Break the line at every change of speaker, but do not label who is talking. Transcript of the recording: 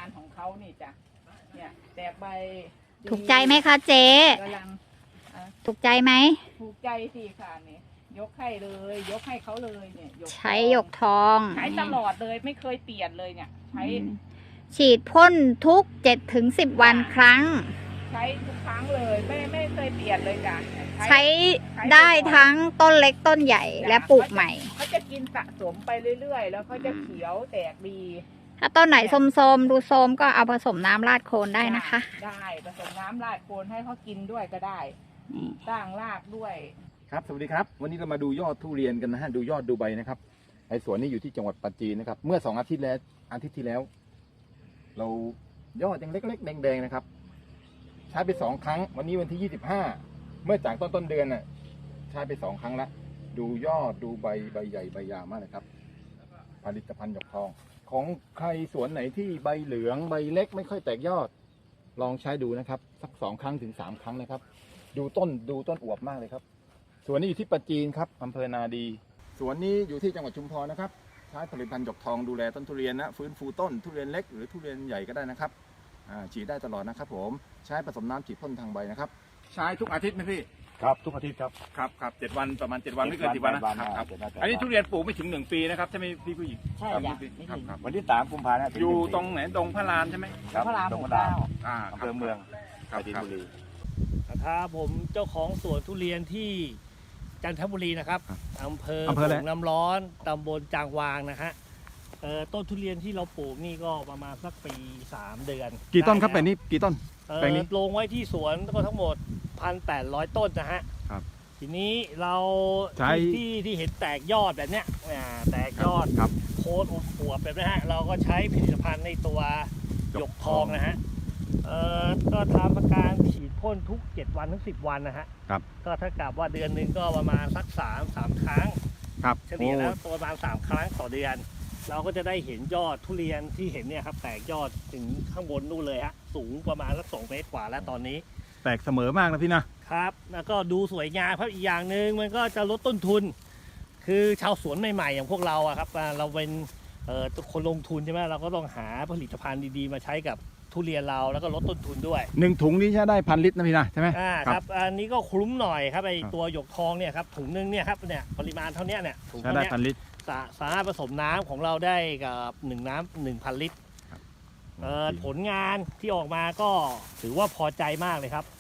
านของเขานี่จ้ะเนี่ยแตกใบดี
ถูกใจไหมคะเจ๊
กำลัง
ถูกใจไหม
ถูกใจสิค่ะนี่ยกให้เลยยกให้เขาเลยเนี่ยหยก
ใช้หยกทอง
ใช้ตลอดเลยไม่เคยเปลี่ยนเลยเนี่ยใช้
ฉีดพ่นทุก 7-10 วันครั้ง
ใช้ทุกครั้งเลยไม่เคยเปลี่ยนเลยจ้ะ
ใช้ได้ทั้งต้นเล็กต้นใหญ่และปลูกใหม่
เขาจะกินสะสมไปเรื่อยๆแล้วเขาจะเขียวแตกดี
ถ้าต้นไหนโทมๆดูโทมก็เอาผสมน้ำราดโคนได้นะคะ
ได้ผสมน้ำราดโคนให้เขากินด้วยก็ได้สร้างรากด้วย
ครับสวัสดีครับวันนี้เรามาดูยอดทุเรียนกันนะฮะดูยอดดูใบนะครับไอ้สวนนี้อยู่ที่จังหวัดปัตตานีนะครับเมื่อ2 อาทิตย์ที่แล้ว เรายอดยังเล็กๆแดงๆนะครับใช้ไป2 ครั้งวันนี้วันที่25เมื่อจากต้นเดือนน่ะใช้ไป2 ครั้งละดูยอดดูใบใหญ่ใบยาวมากเลยครับผลิตภัณฑ์หยกทอง ของใครสวนไหนที่ใบเหลืองใบเล็กไม่ค่อยแตกยอด ลองใช้ดูนะครับสัก2 ครั้งถึง3 ครั้งนะครับดูต้นอวบมากเลยครับสวนนี้อยู่ที่ปัตตานีครับอำเภอนาดีสวนนี้อยู่ที่จังหวัดชุมพรนะครับใช้ผลิตภัณฑ์หยกทองดูแลต้นทุเรียนนะฟื้นฟูต้นทุเรียนเล็กหรือทุเรียนใหญ่ก็ได้นะครับฉีดได้ตลอดนะครับผมใช้ผสมน้ำฉีดพ่นทางใบนะครับใช้ทุกอาทิตย์ไหมพี่
ครับทุกอาทิตย์ครับ
ครับ7 วันประมาณ7 วันไม่เกิน10 วันนะครับอันนี้ทุเรียนปลูกไม่ถึง1 ปีนะครับใช่ไหมพี่ผู้หญิง
ใช่จ้ะไม่ถึง
ครับ
วันที่3 กุมภาพันธ์
อยู่ตรงไหนดงพระลานใช่ไหม
ครับ
พระราม
ตรง
หก
ดา
เก้า
วอำเภอเมืองปราจีนบุรี
ครับผมเจ้าของสวนทุเรียนที่จันทบุรีนะครับอำเภอ
อะไร
โป่งน้ำร้อนตำบลจางวางนะฮะต้นทุเรียนที่เราปลูกนี่ก็ประมาณสักปี 3 เดือน
กี่ต้นครับ
ได้
แปลงนี้กี่ต้น
แล้ว
แปลงนี้
ลงไว้ที่สวนก็ทั้งหมด 1,800 ต้นนะฮะ
ครับ
ทีนี้เรา
ใช้
ที่เห็นแตกยอดแบบเนี้ยแตกยอด
ครับ
โคนอวบแบบนี้ฮะเราก็ใช้ผลิตภัณฑ์ในตัวหยกทองนะฮะก็ทำการฉีดพ่นทุก7 วันถึง10 วันนะฮะ
ครับ
ก็ถ้ากับว่าเดือนหนึ่งก็ประมาณสัก3 ครั้ง
ครับ
เฉลี่ยแล้วตัวประมาณ3 ครั้งต่อเดือน เราก็จะได้เห็นยอดทุเรียนที่เห็นเนี่ยครับแตกยอดถึงข้างบนนู่นเลยฮะสูงประมาณสัก2 เมตรกว่าแล้วตอนนี้
แตกเสมอมากนะพี่นะครับ
แล้วก็ดูสวยงามครับอีกอย่างหนึ่งมันก็จะลดต้นทุน คือชาวสวนใหม่ๆอย่างพวกเราอะครับเราเป็นคนลงทุนใช่ไหมเราก็ต้องหาผลิตภัณฑ์ดีๆมาใช้กับทุเรียนเราแล้วก็ลดต้นทุนด้วย
1 ถุงนี้ใช้ได้1,000 ลิตรนะพี่นะใช่ไหม
ครับอันนี้ก็คุ้มหน่อยครับไอ
ครับ
ตัวหยกทองเนี่ยครับถุงนึงเนี่ยครับเนี่ยปริมาณเท่านี้เนี่ยถุง
ใช้
เท่า
ได้
นี้
1,000 ลิตร
สามารถผสมน้ำของเราได้กับ1,000 ลิตร
ครับ
ผลงานที่ออกมาก็ถือว่าพอใจมากเลยครับ